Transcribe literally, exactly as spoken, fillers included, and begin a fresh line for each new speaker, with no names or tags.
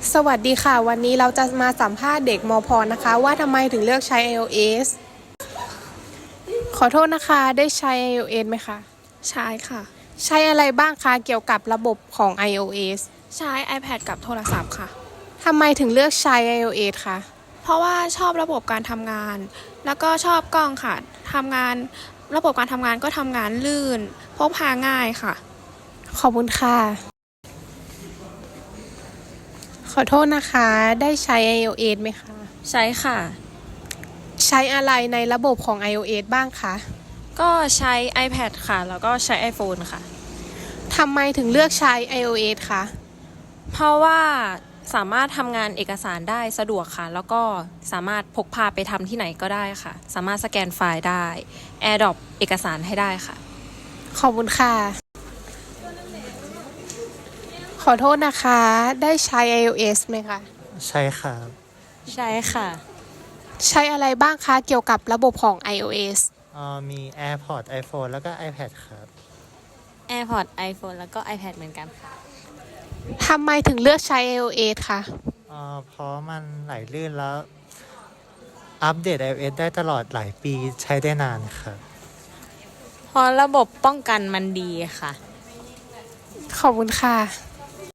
สวัสดีค่ะวันนี้เราจะมาสัมภาษณ์เด็กมพ.นะคะว่าทำไมถึงเลือกใช้ iOS ขอโทษนะคะได้ใช้ iOS ไหมคะ
ใช้ค่ะ
ใช้อะไรบ้างคะเกี่ยวกับระบบของ iOS
ใช้ iPad กับโทรศัพท์ค่ะ
ทำไมถึงเลือกใช้ iOS คะ
เพราะว่าชอบระบบการทำงานแล้วก็ชอบกล้องค่ะทำงานระบบการทำงานก็ทำงานลื่นพกพาง่ายค่ะ
ขอบคุณค่ะขอโทษนะคะได้ใช้ iOS ไหมคะ
ใช้ค่ะ
ใช้อะไรในระบบของ iOS บ้างคะ
ก็ใช้ iPad ค่ะแล้วก็ใช้ iPhone ค่ะ
ทำไมถึงเลือกใช้ iOS คะ
เพราะว่าสามารถทำงานเอกสารได้สะดวกค่ะแล้วก็สามารถพกพาไปทำที่ไหนก็ได้ค่ะสามารถสแกนไฟล์ได้ AirDrop เอกสารให้ได้ค่ะ
ขอบคุณค่ะขอโทษนะคะได้ใช้ iOS ไหมคะ
ใช่ครับ
ใช่ค่ะ
ใช้อะไรบ้างคะเกี่ยวกับระบบของ iOS
อ่ามี AirPods iPhone แล้วก็ iPad ครับ
AirPods iPhone แล้วก็ iPad เหมือนกันค่ะ
ทำไมถึงเลือกใช้ iOS คะ
อ่าเพราะมันไหลลื่นแล้วอัปเดต iOS ได้ตลอดหลายปีใช้ได้นานครับ
เพราะระบบป้องกันมันดีค่ะ
ขอบคุณค่ะ